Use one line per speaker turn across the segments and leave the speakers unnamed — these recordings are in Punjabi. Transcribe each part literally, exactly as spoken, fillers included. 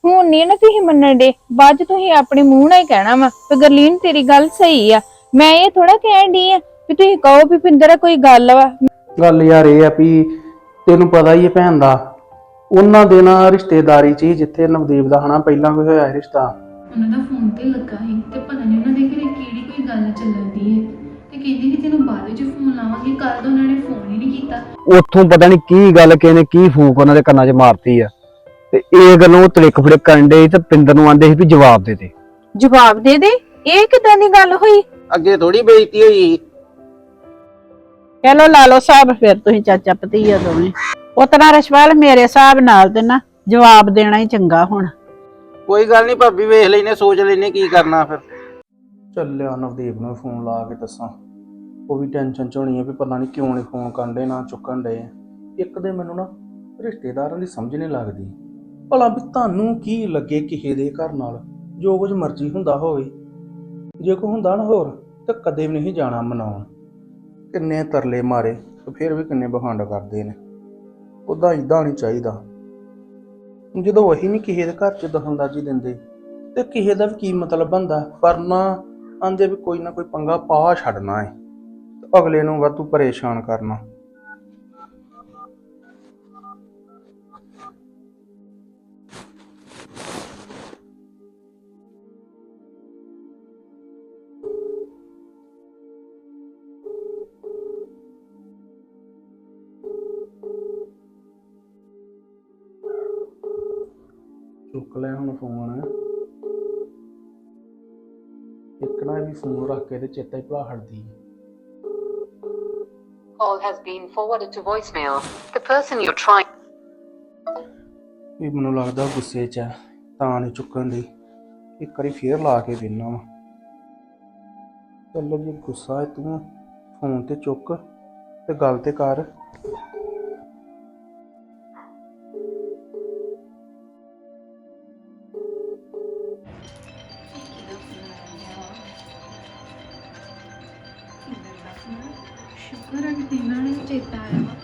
ਹੁਣ ਨਹੀਂ ਨਾ ਤੁਸੀਂ ਮੰਨਣ ਦੇ, ਬਾਅਦ ਚ ਤੁਸੀਂ ਆਪਣੇ ਮੂੰਹ ਨਾਲ ਹੀ ਕਹਿਣਾ ਵਾ ਤੇ ਗਰਲੀਨ ਤੇਰੀ ਗੱਲ ਸਹੀ ਆ। ਮੈਂ ਇਹ ਥੋੜਾ ਕਹਿਣ ਡਈ ਆ ਵੀ ਤੁਸੀਂ ਕਹੋ ਵੀ ਪਿੰਦਰ ਕੋਈ ਗੱਲ ਵਾ।
ਗੱਲ ਯਾਰ ਇਹ ਆ ਵੀ ਤੈਨੂੰ ਪਤਾ ਹੀ ਹੈ ਭੈਣ ਦਾ, ਉਹਨਾਂ ਦੇ ਨਾਲ ਰਿਸ਼ਤੇਦਾਰੀ 'ਚ ਹੀ ਜਿੱਥੇ ਨਵਦੀਪ ਦਾ ਹਨਾ ਪਹਿਲਾਂ ਕੋਈ ਹੋਇਆ ਰਿਸ਼ਤਾ।
ਉਹਨਾਂ ਦਾ ਫੋਨ ਤੇ ਲੱਗਾ ਸੀ ਤੇ ਪਤਾ ਨਹੀਂ ਉਹਨਾਂ ਦੇ ਘਰੇ ਕਿਹੜੀ ਕੋਈ ਗੱਲ ਚੱਲਣ ਦੀ ਹੈ ਤੇ ਕਹਿੰਦੀ ਸੀ ਤੈਨੂੰ ਬਾਅਦ ਵਿੱਚ ਫੋਨ ਲਾਵਾਂਗੇ। ਕੱਲ ਤਾਂ ਉਹਨਾਂ ਨੇ ਫੋਨ ਹੀ ਨਹੀਂ ਕੀਤਾ।
ਉੱਥੋਂ ਪਤਾ ਨਹੀਂ ਕੀ ਗੱਲ ਕਿਹਨੇ ਕੀ ਫੂਕ ਉਹਨਾਂ ਦੇ ਕੰਨਾਂ 'ਚ ਮਾਰਤੀ ਆ ਤੇ ਇਹ ਗੱਲੋਂ ਤਲਿਕ ਫੜਿਕ ਕਰਨ ਦੇ ਤੇ ਪਿੰਦਰ ਨੂੰ ਆਂਦੇ ਸੀ ਵੀ ਜਵਾਬ ਦੇ ਦੇ।
ਜਵਾਬ ਦੇ ਦੇ? ਇਹ ਕਿਦਾਂ ਦੀ ਗੱਲ ਹੋਈ?
ਅੱਗੇ ਥੋੜੀ ਬੇਇੱਜ਼ਤੀ ਹੋਈ।
ਚਲੋ ਲਾ ਲਓ ਸਾਹਿਬ, ਫਿਰ ਤੁਸੀਂ ਚਾਚਾ ਭਤੀਆ ਦੋਵੇਂ। ਉਤਨਾ ਰਸ਼ਵਾਲ ਮੇਰੇ ਹਿਸਾਬ ਨਾਲ ਤੇ ਨਾ ਜਵਾਬ ਦੇਣਾ ਹੀ ਚੰਗਾ। ਹੁਣ
ਕੋਈ ਗੱਲ ਨਹੀਂ ਭਾਬੀ, ਵੇਖ ਲੈਨੇ, ਸੋਚ ਲੈਨੇ ਕੀ ਕਰਨਾ ਫਿਰ। ਚੱਲਿਆ ਨਵਦੀਪ ਨੂੰ ਫੋਨ ਲਾ ਕੇ ਦੱਸਾਂ, ਉਹ ਵੀ ਟੈਨਸ਼ਨ ਚ ਹੋਣੀ ਹੈ ਵੀ ਪਤਾ ਨਹੀਂ ਕਿਉਂ ਨਹੀਂ ਫੋਨ ਕਰਨ ਦੇ, ਨਾ ਚੁੱਕਣ ਦੇ। ਇੱਕ ਦੇ ਮੈਨੂੰ ਨਾ ਰਿਸ਼ਤੇਦਾਰਾਂ ਦੀ ਸਮਝ ਨਹੀਂ ਲੱਗਦੀ, ਭਲਾ ਵੀ ਤੁਹਾਨੂੰ ਕੀ ਲੱਗੇ ਕਿਸੇ ਦੇ ਘਰ ਨਾਲ ਜੋ ਕੁਝ ਮਰਜ਼ੀ ਹੁੰਦਾ ਹੋਵੇ। ਜੇ ਕੋਈ ਹੁੰਦਾ ਨਾ ਹੋਰ ਤਾਂ ਕਦੇ ਵੀ ਨਹੀਂ ਜਾਣਾ ਮਨਾਉਣ। ਕਿੰਨੇ ਤਰਲੇ ਮਾਰੇ ਤੇ ਫਿਰ ਵੀ ਕਿੰਨੇ ਬਹਾਨਾ ਕਰਦੇ ਨੇ। ਉੱਦਾਂ ਇੱਦਾਂ ਨਹੀਂ ਚਾਹੀਦਾ। ਜਦੋਂ ਉਹੀ ਨਹੀਂ ਕਿਸੇ ਦੇ ਘਰ 'ਚ ਦਖਲਅੰਦਾਜ਼ੀ ਦਿੰਦੇ ਤੇ ਕਿਸੇ ਦਾ ਵੀ ਕੀ ਮਤਲਬ ਬਣਦਾ। ਪਰ ਨਾ ਆਂਦੇ ਵੀ ਕੋਈ ਨਾ ਕੋਈ ਪੰਗਾ ਪਾ ਛੱਡਣਾ ਹੈ ਤੇ ਅਗਲੇ ਨੂੰ ਵਾਧੂ ਪਰੇਸ਼ਾਨ ਕਰਨਾ। ਚੁੱਕ ਲੈ ਹੁਣ ਫੋਨ। ਇੱਕ ਨਾ ਵੀ ਫੋਨ ਰੱਖ ਕੇ ਤੇ ਚੇਤਾ ਹੀ ਭੁਲਾ ਹਟਦੀ।
Call has been forwarded to voicemail. The person you're trying.
ਵੀ ਮੈਨੂੰ ਲੱਗਦਾ ਗੁੱਸੇ 'ਚ ਹੈ ਤਾਂ ਨਹੀਂ ਚੁੱਕਣ ਦੀ। ਇੱਕ ਵਾਰੀ ਫੇਰ ਲਾ ਕੇ ਵੇਖਣਾ ਵਾ। ਚੱਲ ਜੇ ਗੁੱਸਾ ਹੈ ਤੂੰ ਫੋਨ ਤੇ ਚੁੱਕ ਤੇ ਗੱਲ ਤੇ ਕਰ।
ਸ਼ੁਕਰ ਹੈ ਕਿ ਇਹਨਾਂ ਨੂੰ ਚੇਤਾ ਆਇਆ ਵਾ।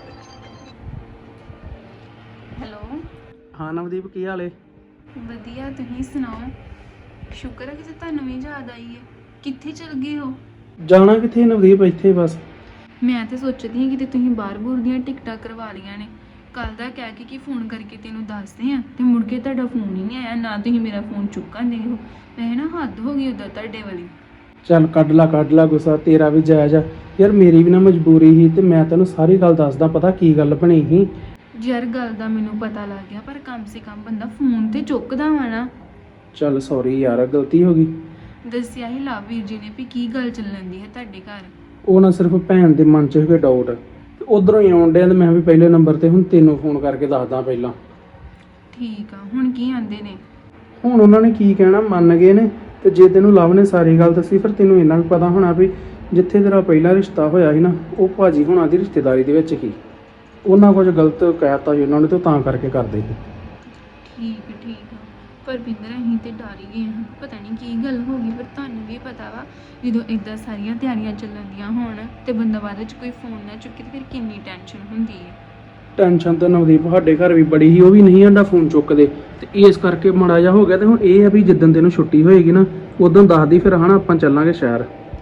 ਹੈਲੋ,
ਹਾਂ ਨਵਦੀਪ, ਕੀ ਹਾਲ ਏ?
ਵਧੀਆ, ਤੁਸੀਂ ਸੁਣਾਓ? ਸ਼ੁਕਰ ਹੈ ਕਿ ਤੁਹਾਨੂੰ ਵੀ ਯਾਦ ਆਈ ਹੈ। ਕਿੱਥੇ ਚਲ ਗਏ ਹੋ?
ਜਾਣਾ ਕਿੱਥੇ ਨਵਦੀਪ, ਇੱਥੇ ਬਸ।
ਮੈਂ ਤੇ ਸੋਚਦੀ ਹਾਂ ਕਿ ਤੁਸੀਂ ਬਾਹਰ ਬੂਰ ਦੀਆਂ ਟਿਕਟਾਂ ਕਰਵਾ ਲਈਆਂ ਨੇ। ਕੱਲ ਦਾ ਕਹਿ ਕੇ ਕਿ ਫੋਨ ਕਰਕੇ ਤੈਨੂੰ ਦੱਸਦੇ ਆ ਤੇ ਮੁੜ ਕੇ ਤੁਹਾਡਾ ਫੋਨ ਹੀ ਨਹੀਂ ਆਇਆ, ਨਾ ਤੁਸੀਂ ਮੇਰਾ ਫੋਨ ਚੁੱਕਣ ਦੇ ਹੋ। ਮੈਂ ਨਾ ਹੱਦ ਹੋ ਗਈ ਉਦੋਂ ਤੁਹਾਡੇ ਵਾਲੀ।
ਚੱਲ ਕੱਢ ਲਾ ਕੱਢ ਲਾ ਗੁੱਸਾ, ਤੇਰਾ ਵੀ ਜਾਇਜ਼ ਆ ਯਾਰ। ਮੇਰੀ ਵੀ ਨਾ ਮਜਬੂਰੀ ਸੀ ਤੇ ਮੈਂ ਤੈਨੂੰ ਸਾਰੀ ਗੱਲ ਦੱਸਦਾ। ਪਤਾ ਕੀ ਗੱਲ ਬਣੀ ਸੀ?
ਯਾਰ ਗੱਲ ਦਾ ਮੈਨੂੰ ਪਤਾ ਲੱਗ ਗਿਆ, ਪਰ ਕਮ ਸੇ ਕਮ ਬੰਦਾ ਫੋਨ ਤੇ ਚੁੱਕਦਾ ਵਾ ਨਾ।
ਚੱਲ ਸੌਰੀ ਯਾਰ, ਗਲਤੀ ਹੋ ਗਈ।
ਦੱਸਿਆ ਹੀ ਲਵ ਵੀਰ ਜੀ ਨੇ ਵੀ ਕੀ ਗੱਲ ਚੱਲਣ ਦੀ ਹੈ ਤੁਹਾਡੇ ਘਰ।
ਉਹ ਨਾ ਸਿਰਫ ਭੈਣ ਦੇ ਮਨ 'ਚ ਹੋਵੇ ਡਾਊਟ ਤੇ ਉਧਰੋਂ ਹੀ ਆਉਣ ਡਿਆ ਤੇ ਮੈਂ ਵੀ ਪਹਿਲੇ ਨੰਬਰ ਤੇ ਹੁਣ ਤੈਨੂੰ ਫੋਨ ਕਰਕੇ ਦੱਸਦਾ ਪਹਿਲਾਂ।
ਠੀਕ ਆ, ਹੁਣ ਕੀ ਆਂਦੇ ਨੇ?
ਹੁਣ ਉਹਨਾਂ ਨੇ ਕੀ ਕਹਿਣਾ, ਮੰਨ ਗਏ ਨੇ। ਤੇ ਜੇ ਤੈਨੂੰ ਲਵ ਨੇ ਸਾਰੀ ਗੱਲ ਦੱਸੀ ਫਿਰ ਤੈਨੂੰ ਇੰਨਾ ਵੀ ਪਤਾ ਹੋਣਾ ਵੀ ਜਿੱਥੇ ਤੇਰਾ ਪਹਿਲਾ ਰਿਸ਼ਤਾ ਹੋਇਆ ਸੀ ਨਾ, ਉਹ ਭਾਜੀ ਹੁਣਾਂ ਦੀ ਰਿਸ਼ਤੇਦਾਰੀ ਦੇ ਵਿੱਚ ਹੀ ਉਹਨਾਂ ਕੁਝ ਗਲਤ ਕਹਿਤਾ ਸੀ ਉਹਨਾਂ ਨੇ ਤੇ ਤਾਂ ਕਰਕੇ ਕਰਦੇ ਸੀ।
ਠੀਕ ਠੀਕ ਆ, ਪਰ ਬਿੰਦਰ ਅਸੀਂ ਤੇ ਡਰ ਹੀ ਗਏ ਹਾਂ। ਪਤਾ ਨਹੀਂ ਕੀ ਗੱਲ ਹੋ ਗਈ, ਪਰ ਤੁਹਾਨੂੰ ਵੀ ਪਤਾ ਵਾ ਜਦੋਂ ਇੱਦਾਂ ਸਾਰੀਆਂ ਤਿਆਰੀਆਂ ਚੱਲਣ ਦੀਆਂ ਹੋਣ ਤੇ ਬੰਦਾ ਬਾਅਦ ਵਿੱਚ ਕੋਈ ਫੋਨ ਨਾ ਚੁੱਕੇ ਤੇ ਫਿਰ ਕਿੰਨੀ ਟੈਨਸ਼ਨ ਹੁੰਦੀ ਹੈ।
ਟੈਨਸ਼ਨ ਤਾਂ ਨਵਦੀਪ ਸਾਡੇ ਘਰ ਵੀ ਬੜੀ ਸੀ, ਉਹ ਵੀ ਨਹੀਂ ਸਾਡਾ ਫੋਨ ਚੁੱਕਦੇ ਤੇ ਇਸ ਕਰਕੇ ਮਾੜਾ ਜਿਹਾ ਹੋ ਗਿਆ। ਤੇ ਹੁਣ ਇਹ ਆ ਵੀ ਜਿੱਦਣ ਤੈਨੂੰ ਛੁੱਟੀ ਹੋਏਗੀ ਨਾ ਉਦੋਂ ਦੱਸਦੀ, ਫਿਰ ਹਨਾ ਆਪਾਂ ਚੱਲਾਂਗੇ ਸ਼ਹਿਰ।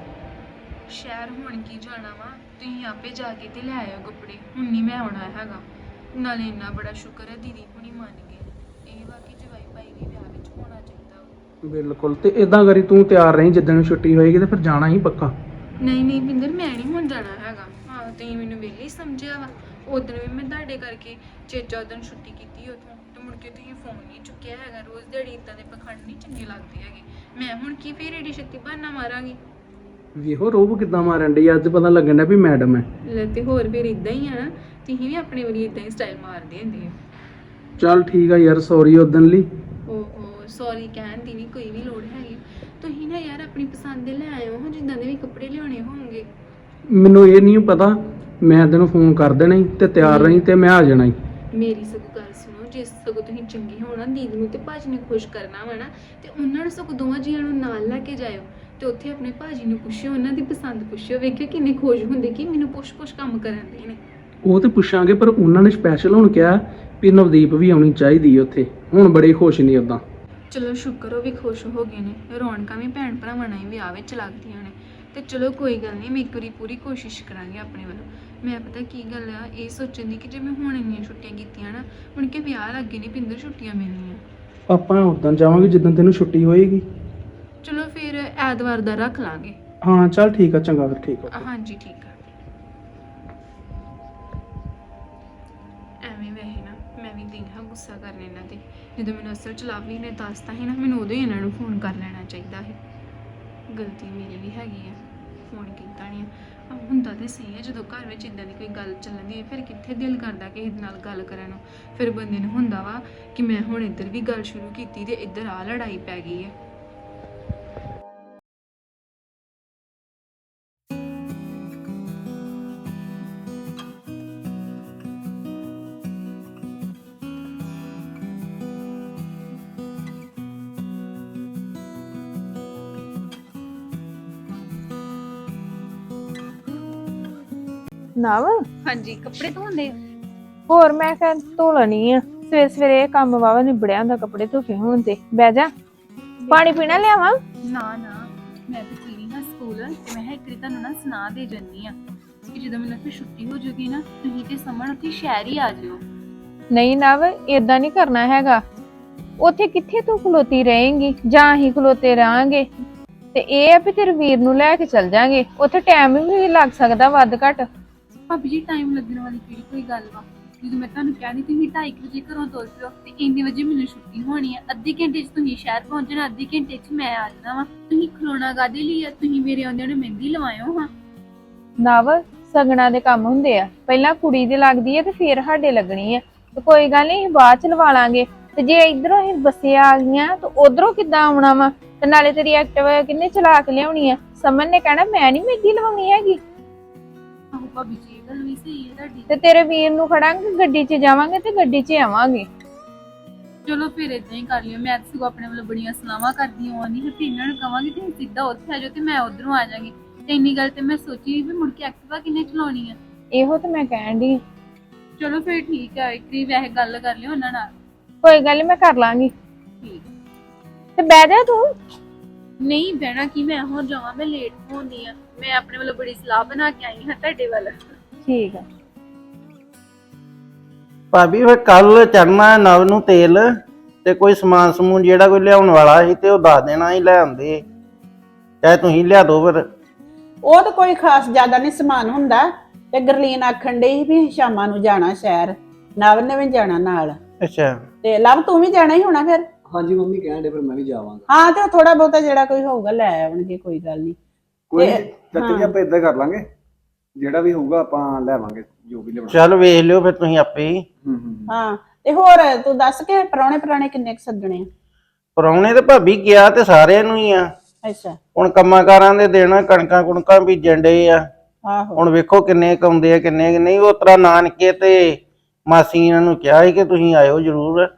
ਸ਼ਹਿਰ ਹੁਣ ਕੀ ਜਾਣਾ ਵਾ, ਤੁਸੀਂ ਆਪੇ ਜਾ ਕੇ ਤੇ ਲੈ ਆਇਓ ਕੱਪੜੇ। ਹੁਣ ਨਹੀਂ ਮੈਂ ਆਉਣਾ ਹੈਗਾ। ਨਾਲੇ ਇੰਨਾ ਬੜਾ ਸ਼ੁਕਰ ਹੈ ਦੀਦੀ ਹੁਣੀ ਮੰਨ ਗਏ। ਇਹ ਵਾ ਕਿ ਜਵਾਈ ਭਾਈ ਵੀ ਵਿਆਹ ਵਿੱਚ ਹੋਣਾ ਚਾਹੀਦਾ ਵਾ।
ਬਿਲਕੁਲ, ਤੇ ਇਦਾਂ ਕਰੀ ਤੂੰ ਤਿਆਰ ਰਹੀਂ, ਜਿੱਦਣ ਛੁੱਟੀ ਹੋਏਗੀ ਤੇ ਫਿਰ ਜਾਣਾ ਹੀ ਪੱਕਾ।
ਨਹੀਂ ਨਹੀਂ ਬਿੰਦਰ, ਮੈਂ ਨਹੀਂ ਹੁਣ ਜਾਣਾ ਹੈਗਾ। ਹਾਂ, ਤੁਸੀਂ ਮੈਨੂੰ ਵਿਹਲੀ ਸਮਝਿਆ ਵਾ। ਉਦੋਂ ਵੀ ਮੈਂ ਤੁਹਾਡੇ ਕਰਕੇ ਚੇਚਾ ਉਦੋਂ ਛੁੱਟੀ ਕੀਤੀ ਉੱਥੋਂ ਤੇ ਮੁੜ ਕੇ ਤੁਸੀਂ ਫੋਨ ਨਹੀਂ ਚੁੱਕਿਆ ਹੈਗਾ। ਰੋਜ਼ ਦਿਹਾੜੀ ਇੱਦਾਂ ਦੇ ਪਖੰਡ ਨਹੀਂ ਚੰਗੇ ਲੱਗਦੇ ਹੈਗੇ। ਮੈਂ ਹੁਣ ਕੀ ਫੇਰ ਏਡੀ ਛੇਤੀ ਬਹਾਨਾ ਮਾਰਾਂਗੀ?
ਵੇਖੋ ਰੋਬ ਕਿੱਦਾਂ ਮਾਰਨ ਡਈ, ਅੱਜ ਪਤਾ ਲੱਗਣ ਡਿਆ ਵੀ ਮੈਡਮ ਹੈ।
ਲੈ ਤੇ ਹੋਰ ਫਿਰ ਇੱਦਾਂ ਹੀ ਆ ਨਾ, ਤੁਸੀਂ ਵੀ ਆਪਣੇ ਵਾਲੀ ਇੱਦਾਂ ਹੀ ਸਟਾਈਲ ਮਾਰਦੇ ਹੁੰਦੇ ਹੋ।
ਚੱਲ ਠੀਕ ਆ ਯਾਰ, ਸੌਰੀ ਉਦਣ ਲਈ।
ਓਹੋ, ਸੌਰੀ ਕਹਿਣ ਦੀ ਨਹੀਂ ਕੋਈ ਵੀ ਲੋੜ ਹੈਗੀ। ਤੁਸੀਂ ਨਾ ਯਾਰ ਆਪਣੀ ਪਸੰਦ ਦੇ ਲੈ ਆਇਓ ਹਾਂ, ਜਿੱਦਾਂ ਦੇ ਵੀ ਕੱਪੜੇ ਲਿਆਉਣੇ ਹੋਣਗੇ।
ਮੈਨੂੰ ਇਹ ਨਹੀਂ ਪਤਾ, ਮੈਂ ਤੈਨੂੰ ਫੋਨ ਕਰ ਦੇਣਾ ਹੀ ਤੇ ਤਿਆਰ ਰਹੀਂ ਤੇ ਮੈਂ ਆ ਜਾਣਾ ਹੀ।
ਮੇਰੀ ਸਗੋਂ ਗੱਲ ਸੁਣੋ, ਜੇ ਸਗੋਂ ਤੁਸੀਂ ਚੰਗੇ ਹੋਣਾ ਦੀਦੀ ਨੂੰ ਤੇ ਭਾਜੀ ਨੂੰ ਖੁਸ਼ ਕਰਨਾ ਵਾ ਨਾ, ਤੇ ਉਹਨਾਂ ਨੂੰ ਸਗੋਂ ਦੋਵਾਂ ਜੀਆਂ ਨੂੰ ਨਾਲ ਲੈ ਕੇ ਜਾਇਓ ਤੇ ਉੱਥੇ ਆਪਣੇ ਭਾਜੀ ਨੂੰ ਪੁੱਛਿਓ, ਉਹਨਾਂ ਦੀ ਪਸੰਦ ਪੁੱਛਿਓ। ਵੇਖਿਓ ਕਿੰਨੇ ਖੁਸ਼ ਹੁੰਦੇ ਕਿ ਮੈਨੂੰ ਪੁੱਛ ਪੁੱਛ ਕੰਮ ਕਰਨ ਦੇ ਨੇ।
ਉਹ ਤੇ ਪੁੱਛਾਂਗੇ, ਪਰ ਉਹਨਾਂ ਨੇ ਸਪੈਸ਼ਲ ਹੁਣ ਕਿਹਾ ਵੀ ਨਵਦੀਪ ਵੀ ਆਉਣੀ ਚਾਹੀਦੀ ਉੱਥੇ। ਹੁਣ ਬੜੇ ਖੁਸ਼ ਨਹੀਂ ਉਦਾਂ।
ਚਲੋ ਸ਼ੁਕਰ ਉਹ ਵੀ ਖੁਸ਼ ਹੋ ਗਏ ਨੇ। ਰੌਣਕਾਂ ਵੀ ਭੈਣ ਭਰਾਵਾਂ ਨਾਲ ਹੀ ਵਿਆਹ ਵਿੱਚ ਲੱਗਦੀਆਂ ਨੇ। ਤੇ ਚਲੋ ਕੋਈ ਗੱਲ ਨਹੀਂ, ਮੈਂ ਇੱਕ ਵਾਰੀ ਪੂਰੀ ਕੋਸ਼ਿਸ਼ ਕਰਾਂਗੀ ਆਪਣੇ ਵੱਲੋਂ। ਮੈਂ ਪਤਾ ਕੀ ਗੱਲ ਆ, ਇਹ ਸੋਚਣ ਦੀ ਕਿ ਜੇ ਮੈਂ ਹੁਣ ਇੰਨੀਆਂ ਛੁੱਟੀਆਂ ਕੀਤੀਆਂ ਨਾ, ਹੁਣ ਕਿ ਵਿਆਹ ਲੱਗੇ ਨਹੀਂ ਪਿੰਦਰ ਛੁੱਟੀਆਂ ਮਿਲਣੀਆਂ।
ਆਪਾਂ ਉਦਾਂ ਜਾਵਾਂਗੇ ਜਿੱਦਾਂ ਤੈਨੂੰ ਛੁੱਟੀ ਹੋਏਗੀ।
ਚਲੋ ਫਿਰ ਐਤਵਾਰ ਦਾ ਰੱਖ ਲਾਂਗੇ।
ਹਾਂ ਚੱਲ ਠੀਕ ਆ, ਚੰਗਾ ਫਿਰ ਠੀਕ ਆ।
ਹਾਂਜੀ ਠੀਕ ਆ। ਐਵੇਂ ਵੈਸੇ ਨਾ ਮੈਂ ਵੀ ਦਿਨ ਹਾਂ ਗੁੱਸਾ ਕਰਨ ਇਹਨਾਂ ਤੇ। ਜਦੋਂ ਮੈਨੂੰ ਅਸਲ ਚ ਲਾਵੀ ਨੇ ਦੱਸਤਾ ਸੀ ਨਾ, ਮੈਨੂੰ ਉਦੋਂ ਹੀ ਇਹਨਾਂ ਨੂੰ ਫੋਨ ਕਰ ਲੈਣਾ ਚਾਹੀਦਾ ਹੈ। ਗਲਤੀ ਮੇਰੀ ਵੀ ਹੈਗੀ ਆ, ਫੋਨ ਕੀਤਾ ਨਹੀਂ। ਆ ਹੁੰਦਾ ਤੇ ਸਹੀ ਹੈ, ਜਦੋਂ ਘਰ ਵਿੱਚ ਇਦਾਂ ਦੀ ਕੋਈ ਗੱਲ ਚੱਲਦੀ ਹੈ ਫਿਰ ਕਿੱਥੇ ਦਿਲ ਕਰਦਾ ਕਿਸੇ ਦੇ ਨਾਲ ਗੱਲ ਕਰਨ ਨੂੰ। ਫਿਰ ਬੰਦੇ ਨੂੰ ਹੁੰਦਾ ਵਾ ਕਿ ਮੈਂ ਹੁਣ ਇੱਧਰ ਵੀ ਗੱਲ ਸ਼ੁਰੂ ਕੀਤੀ ਤੇ ਇੱਧਰ ਆ ਲੜਾਈ ਪੈ ਗਈ ਹੈ।
ਨਵ
ਹਾਂਜੀ ਕੱਪੜੇ ਧੋਂਦੇ
ਹੋਰ ਮੈਂ ਕਿਹਾ ਧੋ ਲੈਣੀ ਆ। ਸਵੇਰੇ ਸਵੇਰੇ ਇਹ ਕੰਮ ਵਾਵਾ ਨਿਬੜਿਆ ਹੁੰਦਾ ਕੱਪੜੇ ਧੋਕੇ ਹੋਣ ਤੇ। ਬਹਿ ਜਾ, ਪਾਣੀ ਪੀਣਾ ਲਿਆਵਾਂ?
ਨਾ ਨਾ ਮੈਂ ਤਾਂ ਚੀਨੀ ਹਾਂ ਸਕੂਲ ਤੇ ਮੈਂ ਕਿਹਾ ਇੱਕ ਵਾਰੀ ਤੁਹਾਨੂੰ ਨਾ ਸੁਣਾ ਦੇ ਜੰਨੀ ਆ ਕਿ ਜਦੋਂ ਮੈਨੂੰ ਫਿਰ ਛੁੱਟੀ ਹੋ ਜਾਊਗੀ ਨਾ, ਤੁਸੀਂ ਤੇ ਸਮਣ ਉੱਥੇ ਸ਼ਹਿਰ ਹੀ ਆ ਜਿਓ।
ਨਹੀਂ ਨਵ, ਏਦਾਂ ਨਹੀਂ ਕਰਨਾ ਹੈਗਾ। ਉੱਥੇ ਕਿੱਥੇ ਤੂੰ ਖਲੋਤੀ ਰਹੇਂਗੀ, ਜਾਂ ਅਸੀਂ ਖਲੋਤੇ ਰਹਾਂਗੇ। ਤੇ ਇਹ ਆ ਵੀ ਤੇਰੇ ਵੀਰ ਨੂੰ ਲੈ ਕੇ ਚੱਲ ਜਾਾਂਗੇ। ਉੱਥੇ ਟਾਈਮ ਵੀ ਲੱਗ ਸਕਦਾ ਵੱਧ ਘੱਟ।
ਭਾਬੀ ਜੀ ਟਾਈਮ ਲੱਗਣ ਵਾਲੀ ਕਿਹੜੀ ਕੋਈ ਗੱਲ ਵਾ। ਜਦੋਂ ਮੈਂ ਤੁਹਾਨੂੰ ਕਿਹਾ ਨਹੀਂ ਤੁਸੀਂ ਢਾਈ ਵਜੇ ਘਰੋਂ ਤੁਰ ਪਿਓ ਤੇ ਇੰਨੇ ਵਜੇ ਮੈਨੂੰ ਛੁੱਟੀ ਹੋਣੀ ਆ। ਅੱਧੇ ਘੰਟੇ 'ਚ ਤੁਸੀਂ ਸ਼ਹਿਰ ਪਹੁੰਚਣਾ, ਅੱਧੇ ਘੰਟੇ 'ਚ ਮੈਂ ਆ ਜਾਣਾ ਵਾ। ਤੁਸੀਂ ਖਲੋਣਾ ਕਾਹਦੇ ਲਈ ਆ? ਤੁਸੀਂ ਮੇਰੇ ਆਉਂਦਿਆਂ ਨੂੰ ਮਹਿੰਦੀ ਲਵਾਇਓ ਹਾਂ।
ਨਵ, ਸਗਣਾ ਦੇ ਕੰਮ ਹੁੰਦੇ ਆ, ਪਹਿਲਾਂ ਕੁੜੀ ਦੇ ਲੱਗਦੀ ਹੈ ਤੇ ਫੇਰ ਸਾਡੇ ਲੱਗਣੀ ਆ। ਤੇ ਕੋਈ ਗੱਲ ਨਹੀਂ, ਬਾਅਦ ਚ ਲਵਾ ਲਾਂਗੇ। ਤੇ ਜੇ ਇਧਰੋਂ ਅਸੀਂ ਬੱਸੇ ਆ ਗਈਆਂ ਤਾਂ ਉਧਰੋਂ ਕਿੱਦਾਂ ਆਉਣਾ ਵਾ? ਤੇ ਨਾਲੇ ਤੇਰੀ ਐਕਟਿਵਾ ਕਿੰਨੇ ਚਲਾ ਕੇ ਲਿਆਉਣੀ ਆ? ਸਮਨ ਨੇ ਕਹਿਣਾ ਮੈਂ ਨਹੀਂ ਮਹਿੰਦੀ ਲਵਾਉਣੀ ਹੈਗੀ।
ਆਹੋ ਭਾਬੀ ਜੀ ਇਹ ਗੱਲ ਵੀ ਸਹੀ ਹੈ ਤੁਹਾਡੀ।
ਤੇ ਤੇਰੇ ਵੀਰ ਨੂੰ ਖੜਾਂਗੇ, ਗੱਡੀ 'ਚ ਜਾਵਾਂਗੇ ਤੇ ਗੱਡੀ 'ਚ ਆਵਾਂਗੇ।
ਚਲੋ ਫਿਰ ਇਦਾਂ ਹੀ ਕਰ ਲਿਓ। ਮੈਂ ਤਾਂ ਸਗੋਂ ਆਪਣੇ ਵੱਲੋਂ ਬੜੀਆਂ ਸਲਾਹਾਂ ਕਰਦੀ ਹਾਂ ਨਹੀਂ ਫਿਰ ਇਹਨਾਂ ਨੂੰ ਕਵਾਂਗੀ ਤੁਸੀਂ ਸਿੱਧਾ ਉੱਥੇ ਆ ਜਾਓ ਤੇ ਮੈਂ ਉਧਰੋਂ ਆ ਜਾਵਾਂਗੀ। ਤੇ ਇੰਨੀ ਗੱਲ ਤੇ ਮੈਂ ਸੋਚੀ ਵੀ ਮੁੜ ਕੇ ਐਕਟਿਵਾ ਕਿੰਨੇ ਚਲਾਉਣੀ ਆ।
ਇਹੋ ਤੇ ਮੈਂ ਕਹਿਣ ਦੀ।
ਚਲੋ ਫਿਰ ਠੀਕ ਆ, ਇੱਕ ਵਾਰੀ ਵੈਸੇ ਗੱਲ ਕਰ ਲਿਓ ਉਹਨਾਂ ਨਾਲ।
ਕੋਈ ਗੱਲ ਨੀ, ਮੈਂ ਕਰ ਲਾਂਗੀ।
ਠੀਕ
ਤੇ ਬਹਿ ਜਾ ਤੂੰ।
ਨਹੀਂ ਬਹਿਣਾ ਕੀ, ਮੈਂ ਹੁਣ ਜਾਵਾਂ, ਮੈਂ ਲੇਟ ਹੋਣੀ ਆ। ਮੈਂ ਆਪਣੇ ਵੱਲੋਂ ਬੜੀ ਸਲਾਹ ਬਣਾ ਕੇ ਆਈ ਹਾਂ ਤੁਹਾਡੇ ਵੱਲ।
ਠੀਕ ਆ।
ਭਾਬੀ ਫਿਰ ਕੱਲ ਚੜਨਾ ਨਵ ਨੂੰ ਤੇਲ ਤੇ ਕੋਈ ਸਮਾਨ ਸਮੂਨ ਜਿਹੜਾ ਕੋਈ ਲਿਆਉਣ ਵਾਲਾ ਸੀ ਤੇ ਉਹ ਦੱਸ ਦੇਣਾ ਹੀ ਲੈ ਆਉਂਦੇ, ਚਾਹੇ ਤੁਸੀਂ ਲਿਆ ਦੋ। ਫਿਰ
ਉਹ ਤਾਂ ਕੋਈ ਖਾਸ ਜ਼ਿਆਦਾ ਨਹੀਂ ਸਮਾਨ ਹੁੰਦਾ। ਤੇ ਗਰਲੀਨ ਆਖਣ ਡਈ ਸੀ ਵੀ ਸ਼ਾਮਾਂ ਨੂੰ ਜਾਣਾ ਸ਼ਹਿਰ, ਨਵ ਨੇ ਵੀ ਜਾਣਾ ਨਾਲ।
ਅੱਛਾ,
ਤੇ ਲਵ ਤੂੰ ਵੀ ਜਾਣਾ ਹੀ ਹੋਣਾ ਫਿਰ?
ਹਾਂਜੀ ਮੰਮੀ ਕਹਿਣ ਦੇ ਫਿਰ ਮੈਂ ਵੀ ਜਾਵਾਂਗਾ।
ਹਾਂ ਤੇ ਥੋੜਾ ਬਹੁਤਾ ਜਿਹੜਾ ਕੋਈ ਹੋਊਗਾ ਲੈ ਆਉਣਗੇ, ਕੋਈ ਗੱਲ ਨਹੀਂ।
ਕੋਈ ਚਾਚਾ ਜੀ ਆਪਾਂ ਇਦਾਂ ਕਰ ਲਾਂਗੇ, ਜਿਹੜਾ ਵੀ ਹੋਊਗਾ ਆਪਾਂ ਲੈਵਾਂਗੇ ਜੋ ਵੀ ਲਿਆਉਣਾ।
ਚੱਲ ਵੇਖ ਲਿਓ ਫਿਰ ਤੁਸੀਂ ਆਪੇ ਹੀ।
ਹੂੰ ਹੂੰ
ਹਾਂ ਤੇ ਹੋਰ ਤੂੰ ਦੱਸ ਕੇ ਪ੍ਰਾਹੁਣੇ ਪ੍ਰਾਹੁਣੇ ਕਿੰਨੇ ਕੁ ਸੱਦਣੇ ਆ?
ਪਰਾਉਣੇ ਤੇ ਭਾਬੀ ਗਿਆ ਤੇ ਸਾਰਿਆਂ ਨੂੰ ਹੀ ਆ।
ਅੱਛਾ।
ਹੁਣ ਕੰਮਾਂ ਕਾਰਾਂ ਦੇ ਦੇਣਾ, ਕਣਕਾਂ ਕੁਣਕਾਂ ਬੀਜਣ ਡੇ ਆ।
ਆਹੋ
ਹੁਣ ਵੇਖੋ ਕਿੰਨੇ ਕਾਉਂਦੇ ਆ ਕਿੰਨੇ ਨਹੀਂ। ਉਹ ਤਰ੍ਹਾਂ ਨਾਨਕੇ ਤੇ ਮਾਸੀ ਇਹਨਾਂ ਨੂੰ ਕਿਹਾ ਸੀ ਕਿ ਤੁਸੀਂ ਆਇਓ ਜ਼ਰੂਰ।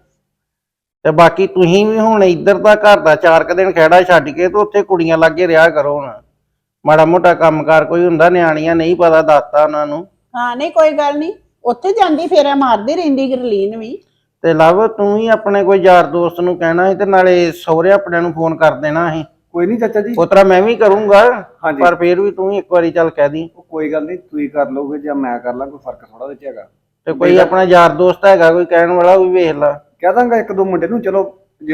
ਤੇ ਬਾਕੀ ਤੁਸੀਂ ਵੀ ਹੁਣ ਇੱਧਰ ਦਾ ਘਰ ਦਾ ਚਾਰ ਕੁ ਦਿਨ ਖਹਿੜਾ ਛੱਡ ਕੇ ਤੇ ਉੱਥੇ ਕੁੜੀਆਂ ਲਾਗੇ ਰਿਹਾ ਕਰੋ। ਹੁਣ ਮਾੜਾ ਮੋਟਾ ਕੰਮਕਾਰ ਕੋਈ ਹੁੰਦਾ, ਨਿਆਣੀਆਂ ਨਹੀਂ ਪਤਾ ਦੱਸਤਾ ਉਹਨਾਂ ਨੂੰ।
ਹਾਂ ਨਹੀਂ ਕੋਈ ਗੱਲ ਨਹੀਂ, ਉੱਥੇ ਜਾਂਦੀ ਫੇਰਾ ਮਾਰਦੀ ਰਹਿੰਦੀ ਗਰਲੀਨ ਵੀ।
ਤੇ ਲਵ ਤੂੰ ਹੀ ਆਪਣੇ ਕੋਈ ਯਾਰ ਦੋਸਤ ਨੂੰ ਕਹਿਣਾ ਸੀ ਤੇ ਨਾਲੇ ਸਹੁਰੇ ਆਪਣੇ ਨੂੰ ਫੋਨ ਕਰ ਦੇਣਾ ਸੀ।
ਕੋਈ ਨਹੀਂ ਚਾਚਾ ਜੀ,
ਉਸ ਤਰ੍ਹਾਂ ਮੈਂ ਵੀ ਕਰੂੰਗਾ,
ਹਾਂਜੀ।
ਪਰ ਫੇਰ ਵੀ ਤੂੰ ਇੱਕ ਵਾਰੀ ਚੱਲ ਕਹਿ ਦੀ।
ਕੋਈ ਗੱਲ ਨਹੀਂ, ਤੁਸੀਂ ਕਰ ਲਓਗੇ ਜਾਂ ਮੈਂ ਕਰ ਲਾਂ, ਕੋਈ ਫਰਕ ਥੋੜਾ ਵਿੱਚ ਹੈਗਾ।
ਤੇ ਕੋਈ ਆਪਣਾ ਯਾਰ ਦੋਸਤ ਹੈਗਾ ਕੋਈ ਕਹਿਣ ਵਾਲਾ, ਉਹ ਵੀ ਵੇਖ ਲਾ।
ਕਹਿ ਦਾਂਗਾ ਇੱਕ ਦੋ ਮੁੰਡੇ ਨੂੰ, ਚਲੋ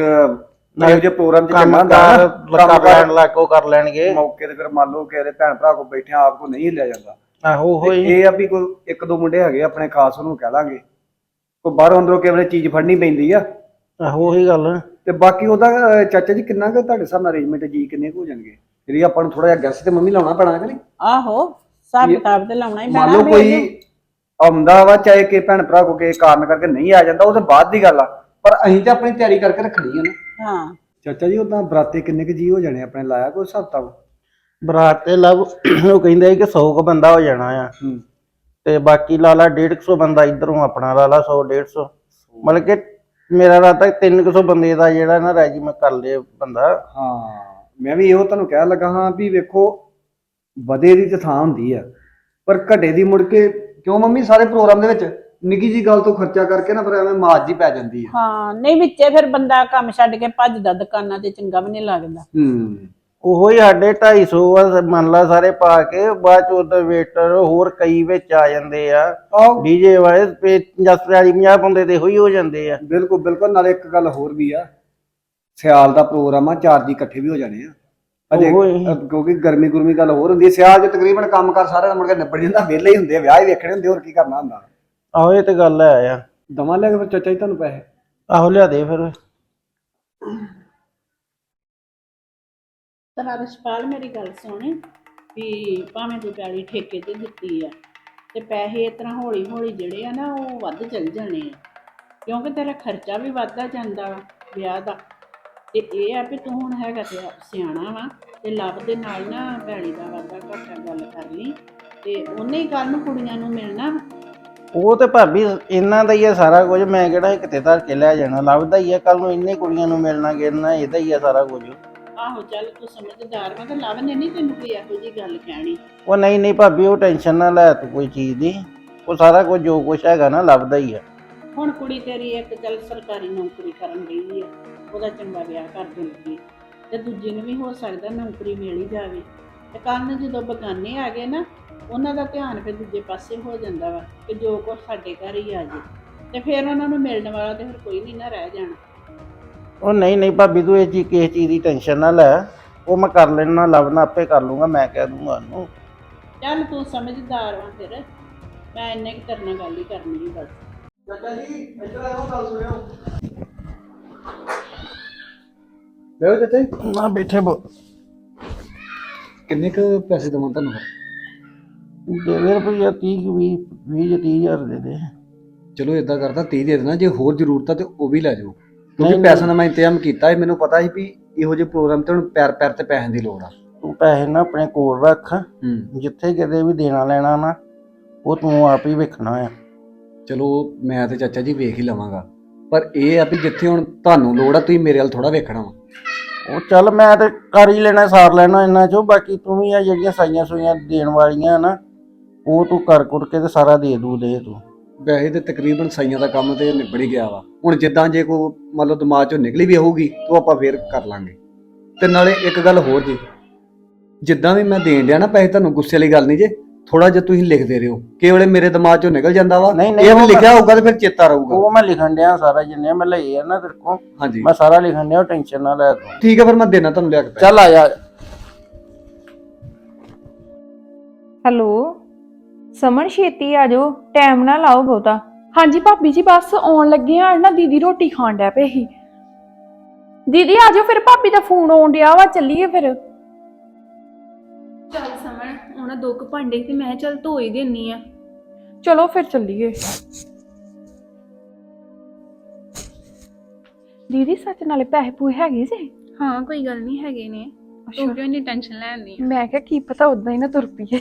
ਇਹੋ ਜਿਹੇ ਪ੍ਰੋਗਰਾਮ 'ਚ
ਕੰਮ
ਚੰਗਾ ਹੁੰਦਾ
ਕਾਰ
ਨਾ,
ਲੱਗਾ ਪੈਣ ਲੱਗ ਉਹ ਕਰ ਲੈਣਗੇ
ਮੌਕੇ ਤੇ। ਫਿਰ ਮੰਨ ਲਓ ਕਿ ਇਹਦੇ ਭੈਣ ਭਰਾ ਕੋ ਬੈਠੇ ਆਪ ਕੋ ਨਹੀਂ ਲਿਆ ਜਾਂਦਾ।
ਆਹੋ
ਤੇ
ਹੋਈ।
ਇਹ ਆ ਵੀ ਕੋਈ ਇੱਕ ਦੋ ਮੁੰਡੇ ਹੈਗੇ ਆਪਣੇ ਖਾਸ, ਉਹਨੂੰ ਕਹਿ ਦਾਂਗੇ। ਕੋਈ ਬਾਹਰੋਂ ਅੰਦਰੋਂ ਕਿਸੇ ਵੇਲੇ ਚੀਜ਼ ਫੜਨੀ ਪੈਂਦੀ ਆ।
ਆਹੋ ਉਹੀ ਗੱਲ।
ਤੇ ਬਾਕੀ ਉਹਦਾ ਅਹ, ਚਾਚਾ ਜੀ ਕਿੰਨਾ ਕੁ ਤੁਹਾਡੇ ਹਿਸਾਬ ਨਾਲ ਅਰੇਂਜਮੈਂਟ ਜੀ ਕਿੰਨੇ ਕੁ ਹੋ ਜਾਣਗੇ? ਜਿਹੜੀ ਆਪਾਂ ਨੂੰ ਥੋੜਾ ਜਿਹਾ ਗੈਸ ਤੇ ਮੰਮੀ ਲਾਉਣਾ ਪੈਣਾ ਕਿ ਨਹੀਂ?
ਆਹੋ ਹਿਸਾਬ ਕਿਤਾਬ ਤੇ ਲਾਉਣਾ ਹੀ
ਮੰਨ
ਪੈਣਾ
ਲਓ ਕੋਈ ਆਉਂਦਾ ਵਾ, ਚਾਹੇ ਕਿ ਭੈਣ ਭਰਾ ਕੋ ਕਿਸੇ ਕਾਰਨ ਕਰਕੇ ਨਹੀਂ ਆ ਜਾਂਦਾ, ਉਹ ਤਾਂ ਬਾਅਦ ਦੀ ਗੱਲ ਆ, ਪਰ ਅਸੀਂ ਤਾਂ ਆਪਣੀ ਤਿਆਰੀ ਕਰਕੇ ਰੱਖਣੀ ਆ ਨਾ।
ਹਾਂ
ਚਾਚਾ ਜੀ ਉਦਾਂ ਬਰਾਤੇ ਕਿੰਨੇ ਕੁ ਜੀ ਹੋ ਜਾਣੇ ਆਪਣੇ, ਲਾਇਆ ਕੋਈ ਹਿਸਾਬ ਕਿਤਾਬ?
ਬਰਾਤ ਤੇ ਲਵ ਉਹ ਕਹਿੰਦੇ ਸੀ ਕਿ ਸੌ ਕੁ ਬੰਦਾ ਹੋ ਜਾਣਾ ਆ।
ਹੂੰ।
ਤੇ ਬਾਕੀ ਲਾ ਲਾ ਡੇਢ ਕੁ ਸੌ ਬੰਦਾ ਇਧਰੋਂ ਆਪਣਾ ਲਾ ਲਾ ਸੌ ਡੇਢ ਸੌ, ਮਤਲਬ ਕਿ ਮੇਰਾ ਰਾਤਾ ਤਿੰਨ ਕੁ ਸੌ ਬੰਦੇ ਦਾ ਜਿਹੜਾ ਨਾ ਰੈਜੀਮੈਂਟ ਕਰ ਲਏ ਬੰਦਾ।
ਹਾਂ ਮੈਂ ਵੀ ਇਹੋ ਤੁਹਾਨੂੰ ਕਹਿਣ ਲੱਗਾ ਹਾਂ ਵੀ ਵੇਖੋ ਵਧੇ ਦੀ ਤਾਂ ਥਾਂ ਹੁੰਦੀ ਆ, ਪਰ ਘਟੇ ਦੀ ਮੁੜ ਕੇ ਕਿਉਂ ਮੰਮੀ? ਸਾਰੇ ਪ੍ਰੋਗਰਾਮ ਦੇ ਵਿੱਚ ਨਿੱਕੀ ਜੀ ਗੱਲ ਤੋਂ ਖਰਚਾ ਕਰਕੇ ਨਾ ਫਿਰ ਐਵੇਂ ਮਾਜ ਜੀ ਪੈ ਜਾਂਦੀ ਆ।
ਹਾਂ ਨਹੀਂ ਵਿੱਚੇ ਫਿਰ ਬੰਦਾ ਕੰਮ ਛੱਡ ਕੇ ਭੱਜਦਾ ਦੁਕਾਨਾਂ ਤੇ, ਚੰਗਾ ਵੀ ਨਹੀਂ ਲੱਗਦਾ।
ਹੂੰ
ਉਹੋ ਹੀ ਸਾਡੇ ਢਾਈ ਸੌ ਆ ਮੰਨ ਲਾ ਸਾਰੇ ਪਾ ਕੇ, ਬਾਅਦ ਚ ਉਹਦੇ ਵੇਟਰ ਹੋਰ ਕਈ ਵਿੱਚ ਆ ਜਾਂਦੇ ਆ
ਆਹ
ਡੀਜੇ ਵਾਲੇ ਤੇ ਚਾਲੀ ਪੰਜਾਹ ਬੰਦੇ ਤੇ ਹੋਈ ਹੋ ਜਾਂਦੇ ਆ।
ਬਿਲਕੁਲ ਬਿਲਕੁਲ। ਨਾਲੇ ਇੱਕ ਗੱਲ ਹੋਰ ਵੀ ਆ, ਸਿਆਲ ਦਾ ਪ੍ਰੋਗਰਾਮ ਆ, ਚਾਰ ਜੀ ਇਕੱਠੇ ਵੀ ਹੋ ਜਾਣੇ ਆ ਅਜੇ,
ਉਹੋ ਹੀ।
ਅ, ਕਿਉਂਕਿ ਗਰਮੀ ਗੁਰਮੀ ਗੱਲ ਹੋਰ ਹੁੰਦੀ ਹੈ। ਸਿਆਲ 'ਚ ਤਕਰੀਬਨ ਕੰਮ ਕਰ ਸਾਰਾ ਮੁੜ ਕੇ ਨਿਬੜ ਜਾਂਦਾ, ਵਿਹਲੇ ਹੀ ਹੁੰਦੇ ਆ, ਵਿਆਹ ਹੀ ਵੇਖਣੇ ਹੁੰਦੇ, ਹੋਰ ਕੀ ਕਰਨਾ ਹੁੰਦਾ।
ਆਹੋ ਇਹ ਤੇ ਗੱਲ ਹੈ ਆ।
ਦਵਾਂ ਲੈ ਕੇ ਫਿਰ ਚਾਚਾ ਜੀ ਤੁਹਾਨੂੰ ਪੈਸੇ?
ਆਹੋ ਲਿਆ ਦੇ ਫਿਰ।
ਤਾਂ ਰਸ਼ਪਾਲ ਮੇਰੀ ਗੱਲ ਸੁਣ ਵੀ ਭਾਵੇਂ ਤੂੰ ਪੈਲੀ ਠੇਕੇ ਤੇ ਦਿੱਤੀ ਆ ਤੇ ਪੈਸੇ ਇਸ ਤਰ੍ਹਾਂ ਹੌਲੀ ਹੌਲੀ ਜਿਹੜੇ ਆ ਨਾ ਉਹ ਵੱਧ ਚੱਲ ਜਾਣੇ ਆ, ਕਿਉਂਕਿ ਤੇਰਾ ਖਰਚਾ ਵੀ ਵੱਧਦਾ ਜਾਂਦਾ ਵਾ ਵਿਆਹ ਦਾ। ਤੇ ਇਹ ਆ ਵੀ ਤੂੰ ਹੁਣ ਹੈਗਾ ਤੇ ਸਿਆਣਾ ਵਾ ਤੇ ਲੱਭ ਦੇ ਨਾਲ ਨਾ ਪੈਲੀ ਦਾ ਵਾਧਾ ਘਾਟਾ ਗੱਲ ਕਰ ਲਈ, ਤੇ ਉਹਨੇ ਹੀ ਕੱਲ ਨੂੰ ਕੁੜੀਆਂ ਨੂੰ ਮਿਲਣਾ।
ਉਹ ਤੇ ਭਾਬੀ ਇਹਨਾਂ ਦਾ ਹੀ ਆ ਸਾਰਾ ਕੁਝ, ਮੈਂ ਕਿਹੜਾ ਕਿਤੇ ਧਰ ਕੇ ਲੈ ਜਾਣਾ, ਲੱਭਦਾ ਹੀ ਆ ਕੱਲ ਨੂੰ ਇੰਨੇ ਕੁੜੀਆਂ ਨੂੰ ਮਿਲਣਾ ਗਿਰਨਾ, ਇਹਦਾ ਹੀ ਆ ਸਾਰਾ ਕੁਝ।
ਆਹੋ ਚੱਲ ਤੂੰ ਸਮਝਦਾਰ ਵਾ ਤੇ ਲੱਭ ਨੇ ਨਹੀਂ ਤੈਨੂੰ ਕੋਈ ਇਹੋ ਜਿਹੀ ਗੱਲ ਕਹਿਣੀ।
ਉਹ ਨਹੀਂ ਨਹੀਂ ਭਾਬੀ, ਉਹ ਟੈਨਸ਼ਨ ਨਾ ਲੈ ਤੂੰ ਕੋਈ ਚੀਜ਼ ਦੀ, ਉਹ ਸਾਰਾ ਕੁਝ ਜੋ ਕੁਝ ਹੈਗਾ ਨਾ ਲੱਭਦਾ ਹੀ ਆ।
ਹੁਣ ਕੁੜੀ ਤੇਰੀ ਇੱਕ ਚੱਲ ਸਰਕਾਰੀ ਨੌਕਰੀ ਕਰਨ ਗਈ ਆ, ਉਹਦਾ ਚੰਗਾ ਵਿਆਹ ਕਰ ਦੇਣਗੇ, ਤੇ ਦੂਜੀ ਨੂੰ ਵੀ ਹੋ ਸਕਦਾ ਨੌਕਰੀ ਮਿਲ ਹੀ ਜਾਵੇ। ਤੇ ਕੱਲ੍ਹ ਨੂੰ ਜਦੋਂ ਬਗਾਨੇ ਆ ਗਏ ਨਾ, ਉਹਨਾਂ ਦਾ ਧਿਆਨ ਫਿਰ ਦੂਜੇ ਪਾਸੇ ਹੋ ਜਾਂਦਾ ਵਾ ਕਿ ਜੋ ਕੁਛ ਸਾਡੇ ਘਰ ਹੀ ਆ ਜੇ, ਤੇ ਫਿਰ ਉਹਨਾਂ ਨੂੰ ਮਿਲਣ ਵਾਲਾ ਤੇ ਫਿਰ ਕੋਈ ਨਹੀਂ ਨਾ ਰਹਿ ਜਾਣਾ।
ਉਹ ਨਹੀਂ ਨਹੀਂ ਭਾਬੀ, ਤੂੰ ਇਹ ਚੀਜ਼ ਕਿਸੇ ਚੀਜ਼ ਦੀ ਟੈਨਸ਼ਨ ਨਾ ਲੈ, ਉਹ ਮੈਂ ਕਰ ਲੈਣਾ, ਲੱਭਣਾ ਆਪੇ ਕਰ ਲੂੰਗਾ, ਮੈਂ ਕਹਿ ਦੂੰਗਾ ਉਹਨੂੰ।
ਚੱਲ ਤੂੰ ਸਮਝਦਾਰ ਵਾ, ਫਿਰ ਮੈਂ ਇੰਨੇ ਕੁ ਤੇਰੇ ਨਾਲ ਗੱਲ ਹੀ ਕਰਨੀ ਸੀ ਬਸ।
ਚਾਚਾ ਜੀ ਇੱਧਰ ਆਓ, ਗੱਲ ਸੁਣਿਓ। ਬੈਠੋ ਚਾਚਾ ਜੀ।
ਨਾ ਬੈਠੇ ਬੋ
ਕਿੰਨੇ ਕੁ ਪੈਸੇ ਦੇਵਾਂ ਤੁਹਾਨੂੰ?
ਦੇ ਦੇ ਰੁਪਈਆ ਤੀਹ ਵੀਹ ਵੀਹ ਜਾਂ ਤੀਹ ਹਜ਼ਾਰ ਦੇ ਦੇ।
ਚਲੋ ਇਦਾਂ ਕਰਦਾ ਤੀਹ ਦੇ ਦੇਣਾ, ਜੇ ਹੋਰ ਜ਼ਰੂਰਤ ਆ ਤੇ ਉਹ ਵੀ ਲੈ ਜਾਓ, ਕਿਉਂਕਿ
ਨਹੀਂ,
ਪੈਸਿਆਂ ਦਾ ਮੈਂ ਇੰਤਜ਼ਾਮ ਕੀਤਾ ਸੀ। ਮੈਨੂੰ ਪਤਾ ਸੀ ਵੀ ਇਹੋ ਜਿਹੇ ਪ੍ਰੋਗਰਾਮ ਤੇ ਹੁਣ ਪੈਰ ਪੈਰ ਤੇ ਪੈਸਿਆਂ ਦੀ ਲੋੜ ਆ।
ਤੂੰ ਪੈਸੇ ਨਾ ਆਪਣੇ ਕੋਲ ਰੱਖ,
ਹੂੰ
ਜਿੱਥੇ ਕਿਤੇ ਵੀ ਦੇਣਾ ਲੈਣਾ ਨਾ ਉਹ ਤੂੰ ਆਪ ਹੀ ਵੇਖਣਾ ਆ।
ਚਲੋ ਮੈਂ ਤੇ ਚਾਚਾ ਜੀ ਵੇਖ ਹੀ ਲਵਾਂਗਾ, ਪਰ ਇਹ ਆ ਵੀ ਜਿੱਥੇ ਹੁਣ ਤੁਹਾਨੂੰ ਲੋੜ ਆ ਤੁਸੀਂ ਮੇਰੇ ਵੱਲ ਥੋੜਾ ਵੇਖਣਾ ਵਾ।
ਉਹ ਚੱਲ ਮੈਂ ਤੇ ਕਰ ਹੀ ਲੈਣਾ, ਸਾਰ ਲੈਣਾ ਇਹਨਾਂ ਚੋਂ, ਬਾਕੀ ਤੂੰ ਵੀ ਆ ਜਿਹੜੀਆਂ ਸਾਈਆਂ ਸੂਈਆਂ ਦੇਣ ਵਾਲੀਆਂ ਨਾ ਉਹ ਤੂੰ ਕਰ ਕੁਰ ਕੇ ਤੇ ਸਾਰਾ ਦੇ ਦੂ ਦੇ ਤੂੰ।
ਵੈਸੇ ਤੇ ਤਕਰੀਬਨ ਸਾਈਆਂ ਦਾ ਕੰਮ ਤੇ ਨਿਬੜ ਹੀ ਗਿਆ ਵਾ। ਹੁਣ ਜਿੱਦਾਂ ਜੇ ਕੋਈ ਮੰਨ ਲਓ ਦਿਮਾਗ ਚੋਂ ਨਿਕਲੀ ਵੀ ਹੋਊਗੀ ਤਾਂ ਆਪਾਂ ਫੇਰ ਕਰ ਲਾਂਗੇ। ਤੇ ਨਾਲੇ ਇੱਕ ਗੱਲ ਹੋਰ ਜੀ, ਜਿੱਦਾਂ ਵੀ ਮੈਂ ਦੇਣ ਡਿਆ ਨਾ ਪੈਸੇ, ਤੁਹਾਨੂੰ ਗੁੱਸੇ ਵਾਲੀ ਗੱਲ ਨਹੀਂ ਜੇ, ਥੋੜਾ ਜਿਹਾ ਤੁਸੀਂ ਲਿਖਦੇ ਰਹੋ, ਕਿ ਵੇਲੇ ਮੇਰੇ ਦਿਮਾਗ ਚੋਂ ਨਿਕਲ ਜਾਂਦਾ ਵਾ।
ਨਹੀਂ, ਨਹੀਂ,
ਇਹ ਵੀ
ਉਹ
ਲਿਖਿਆ ਹੋਊਗਾ ਤੇ ਫਿਰ ਚੇਤਾ ਰਹੂਗਾ।
ਉਹ ਮੈਂ ਲਿਖਣ ਡਿਆ ਸਾਰਾ, ਜਿੰਨੇ ਮੈਂ ਲਏ ਆ ਨਾ ਤੇਰੇ ਕੋਲ
ਹਾਂਜੀ
ਮੈਂ ਸਾਰਾ ਲਿਖਣ ਡਿਆ, ਟੈਨਸ਼ਨ ਨਾ ਲੈ ਤੂੰ।
ਠੀਕ ਹੈ, ਫਿਰ ਮੈਂ ਦੇਣਾ ਤੁਹਾਨੂੰ ਲਿਆ ਕੇ ਪੈਸੇ।
ਚੱਲ ਆ ਜਾ।
ਹੈਲੋ ਸਮਨ, ਛੇਤੀ ਆ ਜਾਓ, ਟਾਈਮ ਨਾ ਲਾਓ ਬਹੁਤਾ।
ਹਾਂਜੀ ਭਾਬੀ ਜੀ, ਬਸ ਆਉਣ ਲੱਗੇ ਆ ਨਾ, ਦੀਦੀ ਰੋਟੀ ਖਾਣ ਡੈ ਪਏ ਸੀ।
ਦੀਦੀ ਆ ਜਾਓ ਫਿਰ, ਭਾਬੀ ਦਾ ਫੋਨ ਆਉਣ ਡਿਆ ਵਾ, ਚੱਲੀਏ ਫਿਰ।
ਚੱਲ ਸਮਣ, ਉਹਨਾਂ ਦੋ ਕੁ ਭਾਂਡੇ ਤੇ ਮੈਂ ਚੱਲ ਧੋ ਹੀ ਦੇਣੀ ਆ।
ਚਲੋ ਫਿਰ ਚੱਲੀਏ। ਦੀਦੀ ਸੱਚ ਨਾਲੇ ਪੈਸੇ ਪੂਏ ਹੈਗੇ ਸੀ?
ਹਾਂ ਕੋਈ ਗੱਲ ਨਹੀਂ, ਹੈਗੇ ਨੇ, ਤੂੰ ਕਿਉਂ ਇੰਨੀ ਟੈਨਸ਼ਨ ਲੈਂਦੀ ਆ।
ਮੈਂ ਕਿਹਾ ਕੀ ਪਤਾ ਉਦਾਂ ਹੀ ਨਾ ਤੁਰ ਪਈਏ।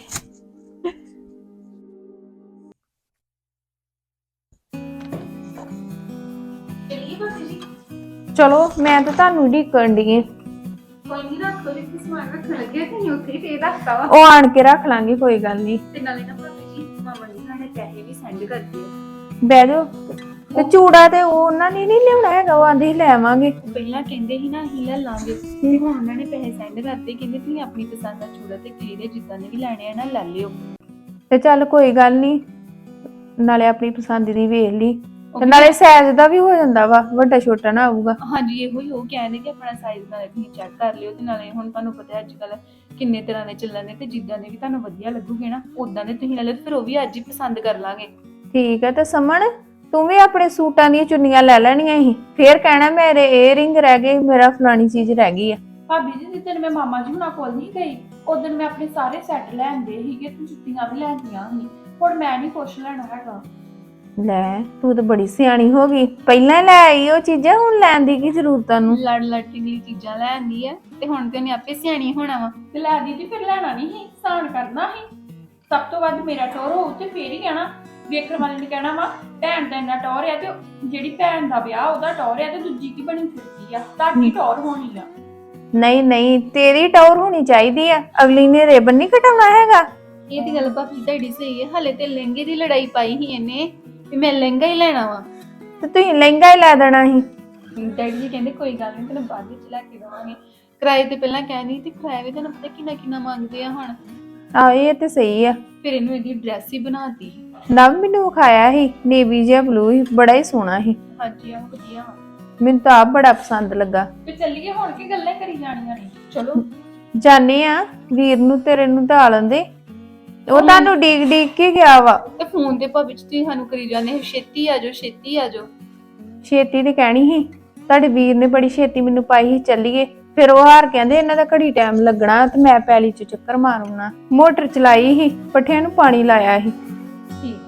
ਚੱਲੀਏ ਭਾਬੀ ਜੀ?
ਚਲੋ ਮੈਂ ਤਾਂ ਤੁਹਾਨੂੰ ਢੀਕਣ ਦੀ।
ਕੋਈ ਨਹੀਂ, ਰੱਖ ਲਓ, ਜਿੱਥੇ ਸਮਾਨ ਰੱਖਣ ਲੱਗੇ ਤੇ ਉੱਥੇ ਹੀ ਫੇਰ ਰੱਖਤਾ ਵਾ।
ਉਹ ਆਣ ਕੇ ਰੱਖ ਲਾਂਗੇ, ਕੋਈ ਗੱਲ ਨਹੀਂ।
ਤੇ ਨਾਲੇ ਨਾ ਭਾਬੀ ਜੀ, ਮਾਮਾ ਜੀ ਸਾਡੇ ਪੈਸੇ ਵੀ ਸੈਂਡ ਕਰ ਦਿਓ।
ਬਹਿ ਜਾਓ। ਤੇ ਚੂੜਾ ਤੇ ਉਹ ਉਹਨਾਂ ਨੇ ਨਹੀਂ ਲਿਆਉਣਾ ਹੈਗਾ, ਉਹ ਆਂਦੇ ਹੀ ਲੈ ਆਵਾਂਗੇ।
ਪਹਿਲਾਂ ਕਹਿੰਦੇ ਸੀ ਨਾ ਅਸੀਂ ਲੈ ਲਾਂਗੇ, ਤੇ ਹੁਣ ਉਹਨਾਂ ਨੇ ਪੈਸੇ ਸੈਂਡ ਕਰਤੇ, ਕਹਿੰਦੇ ਤੁਸੀਂ ਆਪਣੀ ਪਸੰਦ ਦਾ ਚੂੜਾ ਤੇ ਕਲੀਰੇ ਜਿੱਦਾਂ ਦੇ ਵੀ ਲੈਣੇ ਆ ਨਾ ਲੈ ਲਿਓ।
ਤੇ ਚੱਲ ਕੋਈ ਗੱਲ ਨਹੀਂ, ਨਾਲੇ ਆਪਣੀ ਪਸੰਦ ਦੀ ਵੇਖ ਲਈ, ਤੇ ਨਾਲੇ ਸਾਈਜ਼ ਦਾ ਵੀ ਹੋ ਜਾਂਦਾ ਵਾ, ਵੱਡਾ ਛੋਟਾ ਨਾ ਆਊਗਾ।
ਹਾਂਜੀ ਇਹੋ ਹੀ ਉਹ ਕਹਿੰਦੇ ਕਿ ਆਪਣਾ ਸਾਈਜ਼ ਨਾਲੇ ਤੁਸੀਂ ਚੈੱਕ ਕਰ ਲਿਓ, ਤੇ ਨਾਲੇ ਹੁਣ ਤੁਹਾਨੂੰ ਪਤਾ ਅੱਜ ਕੱਲ ਕਿੰਨੇ ਤਰ੍ਹਾਂ ਦੇ ਚੱਲਣ ਦੇ, ਤੇ ਜਿੱਦਾਂ ਦੇ ਵੀ ਤੁਹਾਨੂੰ ਵਧੀਆ ਲੱਗੂਗੇ ਨਾ ਉਦਾਂ ਦੇ ਤੁਸੀਂ ਲੈ ਲਿਓ, ਫਿਰ ਉਹ ਵੀ ਅੱਜ ਹੀ ਪਸੰਦ ਕਰ ਲਾਂਗੇ।
ਠੀਕ ਹੈ। ਤੇ ਸਮਣ ਤੂੰ ਵੀ ਆਪਣੇ ਸੂਟਾਂ ਦੀਆਂ ਚੁੰਨੀਆਂ ਲੈ ਲੈਣੀਆਂ ਸੀ, ਫੇਰ ਕਹਿਣਾ ਮੇਰੇ ਏਅਰਿੰਗ ਰਹਿ ਗਏ, ਮੇਰਾ ਫਲਾਣੀ ਚੀਜ਼ ਰਹਿ ਗਈ ਆ।
ਭਾਬੀ ਜੀ ਜਿੱਦਣ ਮੈਂ ਮਾਮਾ ਜੀ ਹੁਣਾਂ ਕੋਲ ਨਹੀਂ ਗਈ, ਉਦੋਂ ਮੈਂ ਆਪਣੇ ਸਾਰੇ ਸੈੱਟ ਲੈਂਦੇ ਸੀਗੇ ਤੇ ਜੁੱਤੀਆਂ ਵੀ ਲੈਂਦੀਆਂ ਸੀ, ਹੁਣ ਮੈਂ ਨਹੀਂ ਕੁਛ ਲੈਣਾ ਹੈਗਾ।
ਲੈ ਤੂੰ ਤਾਂ ਬੜੀ ਸਿਆਣੀ ਹੋ ਗਈ, ਪਹਿਲਾਂ ਲੈ ਆਈ ਉਹ ਚੀਜ਼ਾਂ, ਹੁਣ ਲੈਣ ਦੀ ਕੀ ਜ਼ਰੂਰਤ ਆ ਨੂੰ?
ਲੜ ਲੜਨ ਲਈ ਚੀਜ਼ਾਂ ਲੈਂਦੀ ਆ, ਤੇ ਹੁਣ ਤੇ ਉਹਨੇ ਆਪੇ ਸਿਆਣੀ ਹੋਣਾ ਵਾ। ਤੇ ਲੈ ਦੀਦੀ ਫਿਰ ਲੈਣਾ ਨਹੀਂ ਸੀ, ਸਾਨ ਕਰਨਾ ਸੀ। ਸਭ ਤੋਂ ਵੱਧ ਮੇਰਾ ਟੋਰ ਹੋਊ ਤੇ ਫੇਰ ਹੀ ਕਹਿਣਾ, ਵੇਖਣ ਵਾਲੇ ਨੇ ਕਹਿਣਾ ਵਾ ਭੈਣ ਦਾ ਇੰਨਾ ਟੌਰ ਆ, ਤੇ ਜਿਹੜੀ ਭੈਣ ਦਾ ਵਿਆਹ ਉਹਦਾ ਟੌਰ ਆ, ਤੇ ਦੂਜੀ ਕੀ ਬਣੀ ਫਿਰਦੀ ਆ, ਤੁਹਾਡੀ ਟੌਰ ਹੋਣੀ ਆ।
ਨਹੀਂ ਨਹੀਂ, ਤੇਰੀ ਟੌਰ ਹੋਣੀ ਚਾਹੀਦੀ ਆ, ਅਗਲੀ ਨੇ ਰਿਬਨ ਨਹੀਂ ਕਟਾਉਣਾ ਹੈਗਾ।
ਇਹ ਤੇ ਗੱਲ ਭਾਬੀ ਤੁਹਾਡੀ ਸਹੀ ਹੈ, ਹਲੇ ਤੇ ਲਹਿੰਗੇ ਦੀ ਲੜਾਈ ਪਾਈ ਸੀ ਇਹਨੇ, ਵੀ ਮੈਂ ਲਹਿੰਗਾ ਹੀ ਲੈਣਾ ਵਾ।
ਤੇ ਤੁਸੀਂ ਲਹਿੰਗਾ ਹੀ ਲੈ ਦੇਣਾ ਸੀ।
ਡੈਡੀ ਜੀ ਕਹਿੰਦੇ ਕੋਈ ਗੱਲ ਨਹੀਂ ਤੈਨੂੰ ਬਾਅਦ ਵਿੱਚ ਲੈ ਕੇ ਦੇਵਾਂਗੇ। ਕਿਰਾਏ ਤੇ ਪਹਿਲਾਂ ਕਹਿੰਦੀ ਤੇ ਕਿਰਾਏ ਵੀ ਤੈਨੂੰ ਪਤਾ ਕਿੰਨਾ ਕਿੰਨਾ ਮੰਗਦੇ ਆ ਹੁਣ।
ਆ ਇਹ ਤੇ ਸਹੀ ਆ।
ਫਿਰ ਇਹਨੂੰ ਇਹਦੀ ਡਰੈਸ ਹੀ ਬਣਾਤੀ।
ਨਵ ਮੈਨੂੰ ਵਿਖਾਇਆ ਸੀ ਨੇਵੀ ਜਿਹਾ ਬਲੂ ਸੀ, ਬੜਾ ਹੀ ਸੋਹਣਾ ਸੀ।
ਹਾਂਜੀ ਆ ਵਧੀਆ ਵਾ।
ਮੈਨੂੰ ਤਾਂ ਆਪ ਬੜਾ ਪਸੰਦ ਲੱਗਾ।
ਤੇ ਚੱਲੀਏ ਹੁਣ ਕੀ ਗੱਲਾਂ ਕਰੀ ਜਾਣੀਆਂ ਨੇ। ਚਲੋ
ਜਾਣੇ ਆ ਵੀਰ ਨੂੰ ਤੇਰੇ ਨੂੰ ਢਾ ਲੈਂਦੇ, ਉਹ ਤੁਹਾਨੂੰ ਡੀਕ ਡੀਕ ਕੇ ਗਿਆ ਵਾ।
ਤੇ ਫੋਨ ਦੇ ਭਵਿੱਖ ਤੁਸੀਂ ਸਾਨੂੰ ਕਰੀ ਜਾਂਦੇ ਛੇਤੀ ਆ ਜਾਓ ਛੇਤੀ ਆ ਜਾਓ।
ਛੇਤੀ ਤੇ ਕਹਿਣੀ ਸੀ, ਤੁਹਾਡੇ ਵੀਰ ਨੇ ਬੜੀ ਛੇਤੀ ਮੈਨੂੰ ਪਾਈ ਸੀ ਚੱਲੀਏ। ਫਿਰ ਉਹ ਹਾਰ ਕਹਿੰਦੇ ਇਹਨਾਂ ਦਾ ਘੜੀ ਟਾਈਮ ਲੱਗਣਾ ਤੇ ਮੈਂ ਪੈਲੀ ਚ ਚੱਕਰ ਮਾਰੂੰਗਾ। ਮੋਟਰ ਚਲਾਈ ਸੀ, ਪੱਠਿਆਂ ਨੂੰ ਪਾਣੀ ਲਾਇਆ ਸੀ।
ਠੀਕ